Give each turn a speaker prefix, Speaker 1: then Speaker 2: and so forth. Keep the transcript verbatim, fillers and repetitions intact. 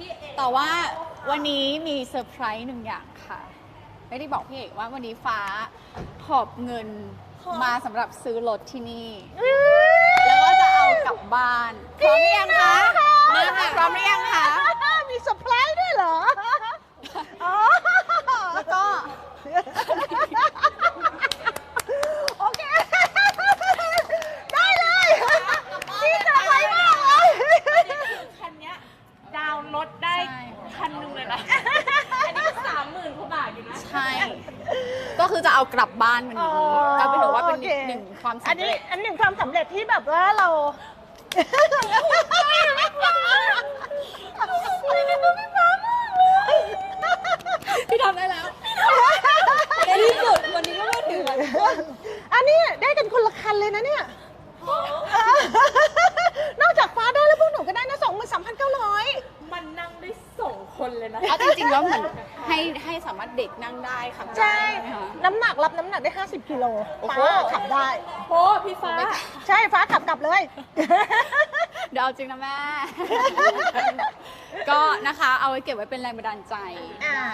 Speaker 1: แต่ว่าวันนี้มีเซอร์ไพรส์หนึ่งอย่างค่ะ ไม่ได้บอกพี่เอกว่าวันนี้ฟ้าหอบเงินมาสำหรับซื้อรถที่นี่ แล้วก็จะเอากลับบ้านพร้อมหรือยังคะมาค่ะพร้อมหรือยังคะ
Speaker 2: มีเซอร์ไพรส์ด้วยเหรออ๋อ
Speaker 1: แล้วก็
Speaker 2: โอเค ได้เลยนี่เซอร์ไพรส์มากเลย
Speaker 3: คันเนี้ยดาวน์รถได้
Speaker 1: ใช่
Speaker 3: คันหนึงเลยนะ อันนี้ก็สามหมื่นกว่าบาทอยู่นะ
Speaker 1: ใช่ ก็คือจะเอากลับบ้านวันนี้ ก็เป็นถือว่าเป็น
Speaker 2: โอเค
Speaker 1: หนึ่งความ
Speaker 2: อัน
Speaker 1: สำ
Speaker 2: นี้
Speaker 1: เร็จ
Speaker 2: อันหนึ่งความสำเร็จที่แบบว่าเรา
Speaker 1: พี่ทำได้แล้วในที่สุดวันนี้ก็มาถึงแล้ว
Speaker 2: อันนี้ได้กันคนละคันเลยนะเนี่ย นอกจากฟ้าได้แล้วพวกหนูก็ได้นะสองหมื่นสามพันเก้าร้อย
Speaker 3: มันนั่งได้สองคนเลยนะ
Speaker 1: เอาจริงๆแล้วเหมือนให้ให้สามารถเด็กนั่งได้ค่ะ
Speaker 2: ใช่
Speaker 1: ไหมคะ
Speaker 2: น้ำหนักรับน้ำหนักได้ห้าสิบกิโล
Speaker 1: โอ้โห
Speaker 2: ฟ้าขับได้
Speaker 3: โอ้พี่ฟ้า
Speaker 2: ใช่ฟ้าขับกลับเลย
Speaker 1: เดี๋ยวเอาจริงนะแม่ ก็นะคะเอาไว้เก็บไว้เป็นแรงบันดาลใจ
Speaker 2: อ่า